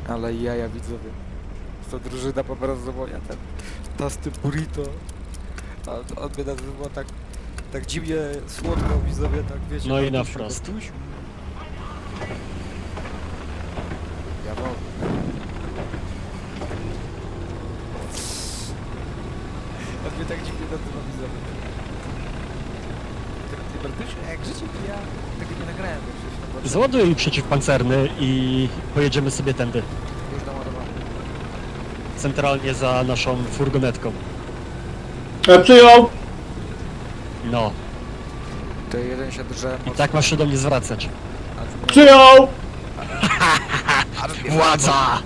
Ale jaja widzowie. To drużyna po prostu moja, ten tosty burrito. On mnie nazywa tak dziwnie słodko widzowie, tak wiecie. No i na Bartusiu, wprost. Bartusiu. Ja mogę. On mnie tak dziwnie nazywa widzowie. Ty Bartusiu, jak życie ja tego nie nagrałem, bo przecież na początku Załaduj przeciwpancerny i pojedziemy sobie tędy. już naładowałem. Centralnie za naszą furgonetką. Przyjął! No. To jeden się drze I tak masz się do mnie zwracać. Przyjął! Władza!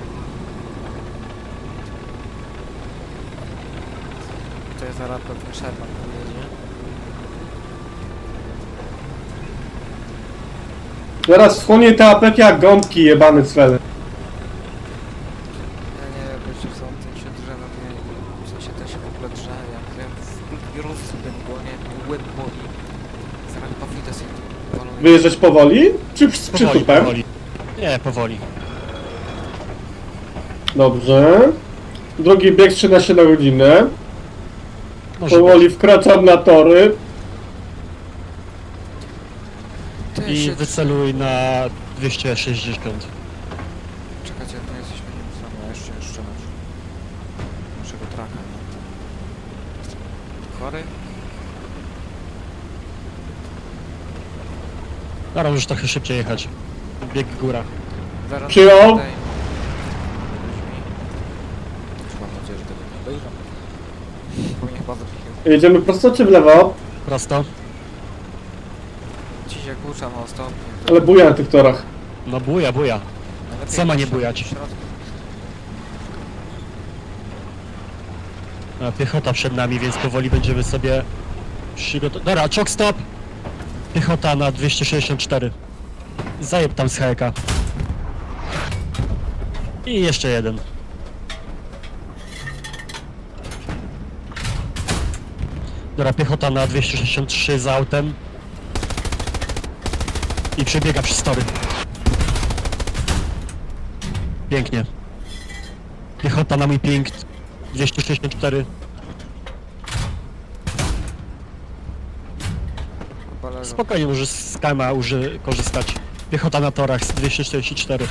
To jest zaraz pewnie Sherman, nie? Zaraz schłonie te apeki jak gąbki jebany cwele. Ja nie wiem, jeszcze są ten się drze na tej... W sensie ten się w ogóle drze, jak wiem, w Rusy ten głonie, łeb boli. Zaraz powinno sobie tu walą. Wyjeżdżać powoli? Czy z Powoli, przytupem? powoli. Nie, powoli. Dobrze. Drugi bieg 13 na godzinę. Może Powoli być. wkraczam na tory. Ty I się wyceluj na 260. Czekajcie, to jesteśmy nim sami, a jeszcze naszego traka, nie? Chory? Dobra, możesz trochę szybciej jechać. Bieg góra. Zaraz Przyjął. tutaj. Już mam nadzieję, że tego nie obejrzą. Powinien chyba zapichał. Jedziemy prosto czy w lewo? Prosto. Ci się kłucza na stopnie. Ale buja na tych torach. No buja, buja. Najlepiej co ma nie w środku- bujać? w środku. A piechota przed nami, więc powoli będziemy sobie przygotować. Dobra, choke stop! Piechota na 264. Zajeb tam z heka. I jeszcze jeden. Dobra, piechota na 263 za autem. I przebiega przez tory. Pięknie. Piechota na mój ping 264. Chyba leżą. Spokojnie możesz z kama korzystać. Piechota na torach z 244.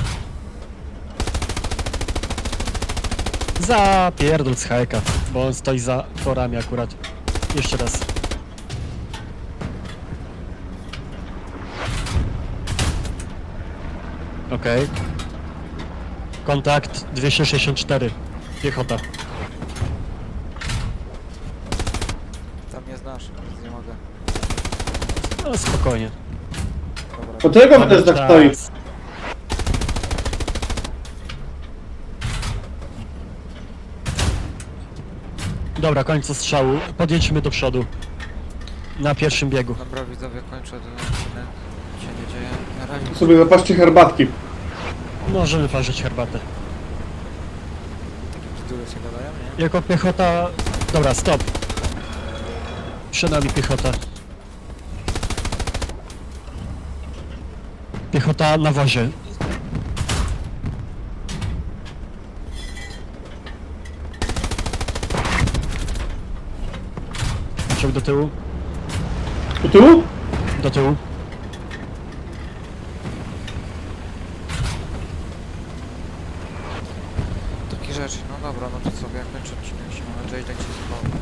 Zapierdol z hajka, bo on stoi za torami akurat. Jeszcze raz. Okej. Kontakt 264. Piechota. Tam nie znasz, więc nie mogę. No spokojnie. Dobra. Po tego Mamy też tak stoi. czas. Dobra, końcu strzału. Podjedźmy do przodu. Na pierwszym biegu. Dobra widzowie, kończę ten odcinek. Nic się nie dzieje. Na razie. Sobie zapatrzcie herbatki. Możemy parzyć herbatę. Takie bzdury się gadają, nie? Jako piechota... Dobra, stop. Przed nami piechota. Piechota na wozie. Ciąg do tyłu. Tu tyłu? Do tyłu. Takie rzeczy, no dobra, no to sobie jak kończę odcinek, się mam nadzieję, że tak się spodoba.